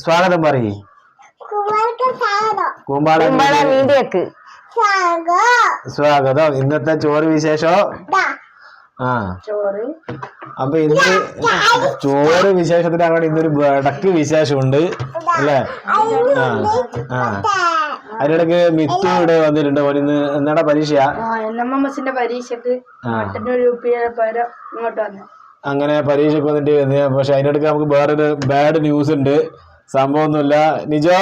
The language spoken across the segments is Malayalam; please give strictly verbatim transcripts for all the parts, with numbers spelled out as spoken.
സ്വാഗതം പറയ്. സ്വാഗതം. ഇന്നത്തെ ചോറ് വിശേഷോ? ആ അപ്പൊ ഇന്ന് ചോറ് വിശേഷത്തിന് അങ്ങനെ ഇന്നൊരു വടക്ക് വിശേഷമുണ്ട് അല്ലേ? ആ ആ അതിനിടയ്ക്ക് മിത്തു ഇവിടെ വന്നിട്ടുണ്ട്. ഇന്ന് എന്നാടാ പരീക്ഷയാ? പരീക്ഷക്ക് അങ്ങനെ പരീക്ഷക്ക് വന്നിട്ട് പക്ഷെ അതിനിടയ്ക്ക് നമുക്ക് വേറൊരു ബാഡ് ന്യൂസ് ഉണ്ട്. സംഭവമൊന്നുമില്ല. നിജോ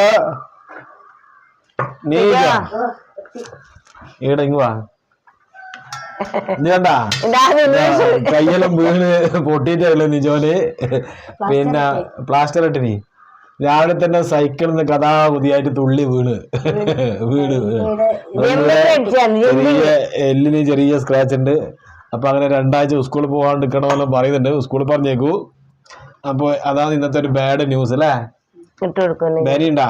നീജോ ഇവിടെ ഇങ്ങ് വാ. ഇത് കണ്ടാ കയ്യെല്ലാം വീണ് പൊട്ടിയിട്ടല്ലോ നിജോന്. പിന്നെ പ്ലാസ്റ്റർ ഇട്ടിനി രാവിലെ തന്നെ സൈക്കിളിൽ നിന്ന് കഥാപുതിയായിട്ട് തുള്ളി വീണ് വീണ് ചെറിയ എല്ലിന് ചെറിയ സ്ക്രാച്ച് ഉണ്ട്. അപ്പൊ അങ്ങനെ രണ്ടാഴ്ച സ്കൂളിൽ പോകാണ്ടിരിക്കണമെന്ന് പറയുന്നുണ്ട്. സ്കൂളിൽ പറഞ്ഞേക്കൂ. അപ്പൊ അതാണ് ഇന്നത്തെ ഒരു ബാഡ് ന്യൂസ് അല്ലേ? വേദനയുണ്ടാ?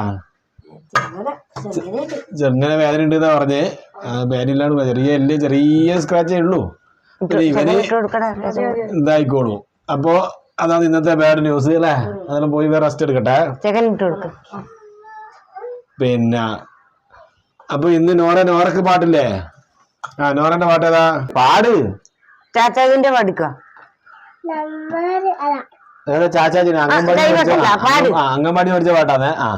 ചെറുങ്ങനെ വേദന ഉണ്ട് എന്നാ പറഞ്ഞേ. വേദന ഇല്ലാണ്ട് ചെറിയ എല്ല് ചെറിയ സ്ക്രാച്ചേ ഉള്ളൂ. ഇവന് ഇതായിക്കോളൂ. അപ്പൊ അതാണ് ഇന്നത്തെ ബാഡ് ന്യൂസ് അല്ലേ? അതെല്ലാം പോയി വേറെ റെസ്റ്റ് എടുക്കട്ടെ. പിന്നെ അപ്പൊ ഇന്ന് നോറ നോറക്ക് പാട്ടില്ലേ? ആ നോറന്റെ പാട്ട് ഏതാ? പാട്. ചാച്ചാജിന്റെ പാടിക്കോ? ഏതാ ചാച്ചാജിന്? അംഗൻവാടി അംഗൻവാടി പഠിച്ച പാട്ടാന്നേ. ആ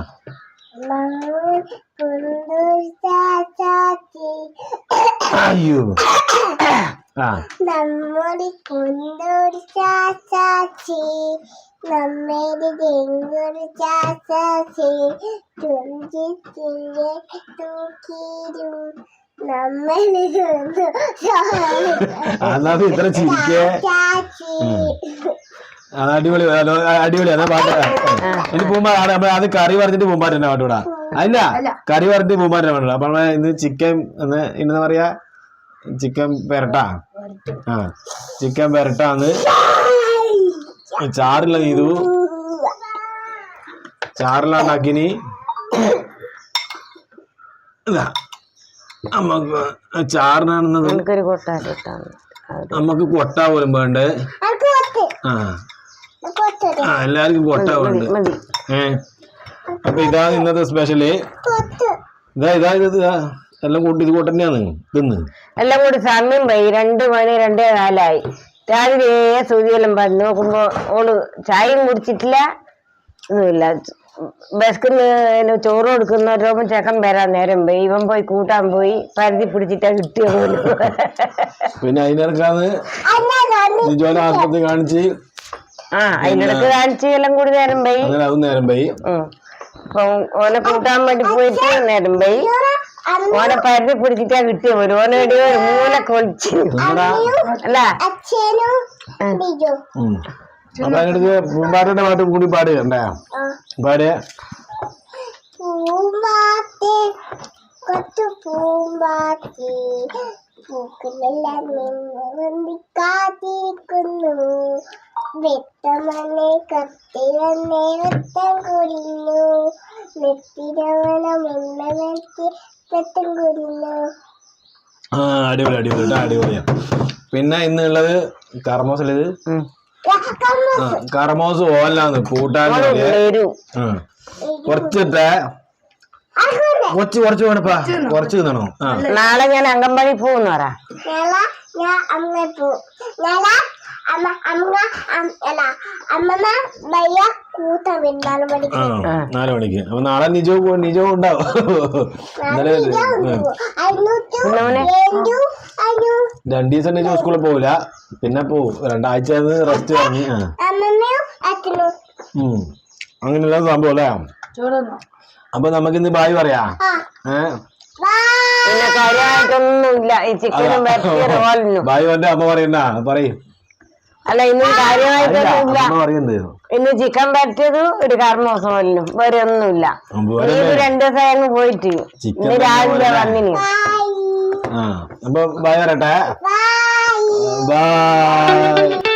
അയ്യോ ആ നമ്മുടെ കൊണ്ടൊരു ചാച്ചാച്ചി നമ്മേടെ ചെങ്കൊരു ചാച്ചാച്ചി തുഞ്ചിത്തിൻ്റെ തൂക്കിരും നമ്മളിൽ ഇത്ര ചിരിക്കേ. അത് അടിപൊളി അടിപൊളിയാണ് പാട്ട്. ഇനി പൂമ്പാ അത് കറി പറഞ്ഞിട്ട് പൂമ്പാറ്റ പാട്ടൂടാ. അല്ല കറി പറഞ്ഞിട്ട് പൂമ്പാറ്റ പാട്ടൂടാ. അപ്പൊ ഇന്ന് ചിക്കൻ എന്ന് ഇന്നെന്താ പറയാ? ചിക്കൻ പെരട്ടാ. ആ ചിക്കൻ പെരട്ടാന്ന് ചാറില്ല ചെയ്തു. ചാറിലാണ്ടാക്കിനി നമ്മക്ക് ചാറിനാണെന്നത് നമ്മക്ക് കൊട്ട പോലും വേണ്ടേ? ആ ആ എല്ലാവർക്കും കൊട്ട വേണ്ട. ഏ അപ്പൊ ഇതാണ് ഇന്നത്തെ സ്പെഷ്യല്. ഇതാ ഇതാ ഇത് എല്ലാം കൂട്ടി ഇത് കൂട്ട് തന്നെയാണ് തിന്ന് എല്ലാം കൂടി സമയം പോയി. രണ്ട് മണി രണ്ടേ നാലായി. രാവിലെ സൂചിയെല്ലാം പറഞ്ഞ് നോക്കുമ്പോ ഓള് ചായയും കുടിച്ചിട്ടില്ല, ഒന്നുമില്ല. ബസ്ക്കിന്ന് ചോറ് കൊടുക്കുന്നവരോപ്പം ചെക്കൻ വരാൻ നേരം പോയി. ഇവൻ പോയി കൂട്ടാൻ പോയി. പരുതി പിടിച്ചിട്ടാ കിട്ടിയ പോലും. പിന്നെ അതിനിടക്കാന്ന് ആസ്പത്രി കാണിച്ച് ആ അതിനിടക്ക് കാണിച്ച് എല്ലാം കൂടി നേരം പോയി. അതും നേരം പോയി. അപ്പൊ ഓനെ കൂട്ടാൻ വേണ്ടി പോയിട്ട് നേരം പോയി. ഓനെ പരുതി പിടിച്ചിട്ടാ കിട്ടിയ പോലും. ഓനെ എടിയോ ഒരു മൂല കൊളിച്ചു അല്ല. അപ്പൊ അതിനടുത്ത് പൂമ്പാറ്റയുടെ പാട്ടും കൂടി പാടുകണ്ടേ? പാടിയ പൂമ്പാറ്റേ കൊച്ചു പൂമ്പാറ്റേ പൂക്കളെല്ലാം കാത്തിരിക്കുന്നു. വെട്ടമണ്ണെ കത്തി വന്നേ വെട്ടം കുടിഞ്ഞു നെത്തിരവണം എണ്ണ വെട്ടി വെട്ടം കുടിഞ്ഞു. ആ അടിപൊളി അടിപൊളി അടിപൊളിയാ. പിന്നെ ഇന്നുള്ളത് കർമ്മോസിലത് കർമോസ് ഓലാന്ന് കൂട്ടാൻ കുറച്ചിട്ടെ കുറച്ച് കുറച്ച് വേണപ്പാ കുറച്ച് തിന്നണോ? നാളെ ഞാൻ അംഗൻവാടി പോകുന്നു പറ. നാല് മണിക്ക്. അപ്പൊ നാളെ നിജോ നിജോ ഉണ്ടാവും. രണ്ടു ദിവസം നിജോ സ്കൂളിൽ പോവില്ല. പിന്നെ പോവും. രണ്ടാഴ്ച റെസ്റ്റ് വാങ്ങി. അങ്ങനെയുള്ള സംഭവം അല്ലേ? അപ്പൊ നമുക്കിന്ന് ബായ് പറയാ. ഏഹ് ബായ് എന്റെ അമ്മ പറയണ്ട പറയും. അല്ല ഇന്നും കാര്യമായിട്ടൊന്നുമില്ല. ഇന്ന് ചിക്കൻ പറ്റിയത് ഒരു കർമ്മോത്സവം വേറെ ഒന്നുമില്ല. രണ്ടു ദിവസം അങ്ങ് പോയിട്ട് ഇന്ന് രാവിലെ വന്നിനി. അപ്പൊ ബായ് പറയട്ടെ. ബൈ.